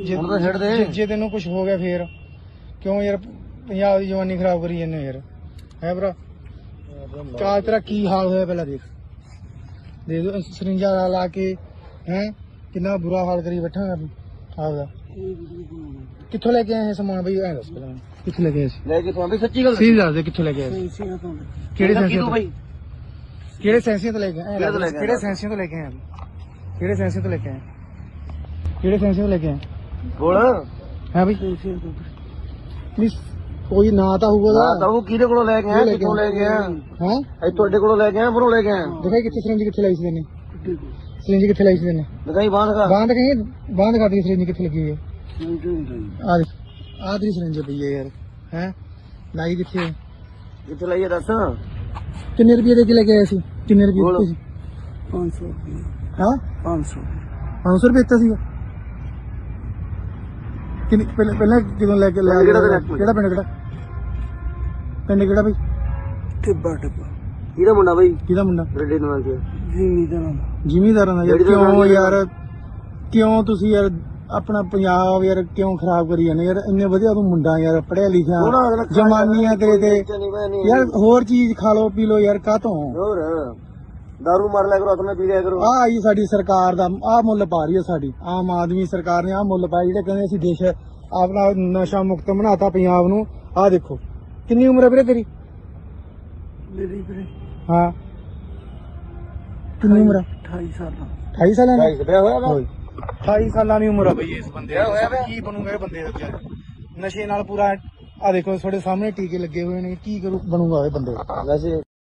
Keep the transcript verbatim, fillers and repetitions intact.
ਹੁਣ ਤਾਂ ਛੱਡ ਦੇ। ਜੇ ਤੈਨੂੰ ਕੁਝ ਹੋ ਗਿਆ ਫੇਰ ਕਿਉਂ ਯਾਰ ਪੰਜਾਬ ਦੀ ਜਵਾਨੀ ਖਰਾਬ ਕਰੀ ਜਾਂਦੇ ਯਾਰ ਹੈ ਭਰਾ। ਕਾਲ ਤੇਰਾ ਕੀ ਹਾਲ ਹੋਇਆ ਪਹਿਲਾਂ ਦੇਖ ਦੇ ਦੋ ਸਰਿੰਜਾ ਲਾ ਲਾ ਕੇ ਹੈ ਕਿੰਨਾ ਬੁਰਾ ਹਾਲ ਕਰੀ ਬੈਠਾ ਮੈਂ ਆਪਦਾ। ਕਿੱਥੋਂ ਲੈ ਕੇ ਆਏ ਇਹ ਸਮਾਨ ਬਈ ਐ ਦੱਸ ਪਹਿਲਾਂ ਮੈਨੂੰ। ਕਿੱਥੋਂ ਲੈ ਕੇ ਆਏ ਸੀ? ਲੈ ਕੇ ਤੁਹਾਨੂੰ ਸੱਚੀ ਗੱਲ ਸਹੀ ਦੱਸ ਦੇ ਕਿੱਥੋਂ ਲੈ ਕੇ ਆਏ ਸੀ? ਕਿਹੜੇ ਸੈਂਸੀਆਂ ਤੋਂ? ਬਾਈ ਕਿਹੜੇ ਸੈਂਸੀਆਂ ਤੋਂ ਲੈ ਕੇ ਆਏ? ਕਿਹੜੇ ਤੋਂ ਲੈ ਕੇ ਆਏ? ਕਿਹੜੇ ਸੈਂਸੀਆਂ ਤੋਂ ਲੈ ਕੇ ਆਏ? ਕਿਹੜੇ ਸੈਂਸੀਆਂ ਤੋਂ ਲੈ ਕੇ ਆਏ? ਕਿਹੜੇ ਸੈਂਸੀਆਂ ਤੋਂ ਲੈ ਕੇ ਆਏ ਬੋਲ ਹੈ ਬਈ? ਪਲੀਜ਼ ਕੋਈ ਨਾਂ ਤਾਂ ਹੋਊਗਾ ਨਾ ਤਾਂ ਉਹ ਕਿਹਦੇ ਕੋਲੋਂ ਲੈ ਕੇ ਆਇਆ ਕਿੱਥੋਂ ਲੈ ਕੇ ਆਇਆ ਹੈ? ਇਹ ਤੁਹਾਡੇ ਕੋਲੋਂ ਲੈ ਕੇ ਆਇਆ ਬਰੋਂ ਲੈ ਕੇ ਆਇਆ ਦਿਖਾਈ ਕਿੱਥੇ ਸਰਿੰਜ ਕਿੱਥੇ ਲਾਈ ਸੀ ਤੈਨੇ? ਸਰਿੰਜ ਕਿੱਥੇ ਲਾਈ ਸੀ ਤੈਨੇ? ਦਿਖਾਈ ਬਾਂਹ ਦਿਖਾ ਬਾਂਹ ਦਿਖਾਈ ਬਾਂਹ ਦਿਖਾ ਦੀ ਸਰਿੰਜ ਕਿੱਥੇ ਲੱਗੀ ਹੋਈ ਹੈ? ਆ ਦੇਖ ਆਹ ਤੇਰੀ ਸਰਿੰਜ ਪਈ ਹੈ ਯਾਰ ਹੈ ਲਾਈ ਕਿੱਥੇ ਹੈ? ਕਿੱਥੇ ਲਾਈਏ ਦੱਸ ਕਿੰਨੇ ਰੁਪਏ ਦੇ ਕੇ ਲੈ ਕੇ ਆਏ ਸੀ? ਕਿੰਨੇ ਰੁਪਏ ਦਿੱਤੇ ਸੀ? ਪੰਜ ਸੌ ਰੁਪਏ ਹਾਂ ਪੰਜ ਸੌ ਪੰਜ ਸੌ ਰੁਪਏ ਦਿੱਤਾ ਸੀਗਾ। ਕਿੰਨੇ ਪਹਿਲਾਂ ਪਹਿਲਾਂ ਕਿਦੋਂ ਲੈ ਕੇ ਲਿਆ? ਕਿਹੜਾ ਪਿੰਡ? ਕਿਹੜਾ ਪਿੰਡ ਕਿਹੜਾ ਪਿੰਡ ਕਿਹੜਾ ਬਈ? ਟਿੱਬਾ ਟਿੱਬਾ ਕਿਹਦਾ ਮੁੰਡਾ ਬਾਈ ਕਿਹਦਾ ਮੁੰਡਾ? ਰੇਡੇ ਨਾਲ ਕੇ ਜੀਨੀ ਦਾ ਨਾਮ ਜ਼ਿਮੀਂਦਾਰਾਂ ਦਾ ਯਾਰ। ਜਿਹੜੀ ਤਾਂ ਕਿਉਂ ਗੱਲ ਯਾਰ ਕਿਉਂ ਤੁਸੀਂ ਯਾਰ ਆਪਣਾ ਪੰਜਾਬ ਯਾਰ ਕਿਉਂ ਖਰਾਬ ਕਰੀ ਜਾਂਦੇ ਯਾਰ? ਇੰਨੇ ਵਧੀਆ ਤੂੰ ਮੁੰਡਾ ਯਾਰ ਪੜਿਆ ਲਿਖਿਆ ਜਮਾਨੀਆਂ ਤੇਰੇ ਤੇ ਯਾਰ। ਹੋਰ ਚੀਜ਼ ਖਾ ਲੋ ਪੀ ਲੋ ਯਾਰ ਕਾਹਤੋਂ? ਹੋਰ ਦਾਰੂ ਮਾਰ ਲਿਆ ਕਰੋ ਆਪਣੇ ਪੀ ਲਿਆ ਕਰੋ। ਆ ਆਈ ਸਾਡੀ ਸਰਕਾਰ ਦਾ ਆ ਮੁੱਲ ਪਾ ਰਹੀ ਹੈ ਸਾਡੀ ਆਮ ਆਦਮੀ ਸਰਕਾਰ ਨੇ ਆ ਮੁੱਲ ਪਾਇਆ ਜਿਹੜੇ ਕਹਿੰਦੇ ਅਸੀਂ ਦੇਸ਼ ਆਪਣਾ ਨਸ਼ਾ ਮੁਕਤ ਬਣਾਤਾ ਪੰਜਾਬ ਨੂੰ। ਆ ਦੇਖੋ ਕਿੰਨੀ ਉਮਰ ਹੈ ਵੀਰੇ ਤੇਰੀ? ਮੇਰੀ ਵੀਰੇ ਹਾਂ ਕਿੰਨੀ ਉਮਰ ਹੈ? ਅਠਾਈ ਸਾਲ ਅਠਾਈ ਸਾਲਾਂ ਦੀ? ਢਾਈ ਵਿਆਹ ਹੋਇਆ ਵਾ ਅਠਾਈ ਸਾਲਾਂ ਦੀ ਉਮਰ ਆ ਬਈ ਇਸ ਬੰਦੇ ਦੀ। ਕੀ ਬਣੂਗਾ ਇਹ ਬੰਦੇ ਦਾ ਵਿਚਾਰਾ? ਨਸ਼ੇ ਨਾਲ ਪੂਰਾ ਆ ਦੇਖੋ ਤੁਹਾਡੇ ਸਾਹਮਣੇ ਟੀਕੇ ਲੱਗੇ ਹੋਏ ਨੇ। ਕੀ ਕਰੂ ਬਣੂਗਾ ਇਹ ਬੰਦੇ ਦਾ? ਵੈਸੇ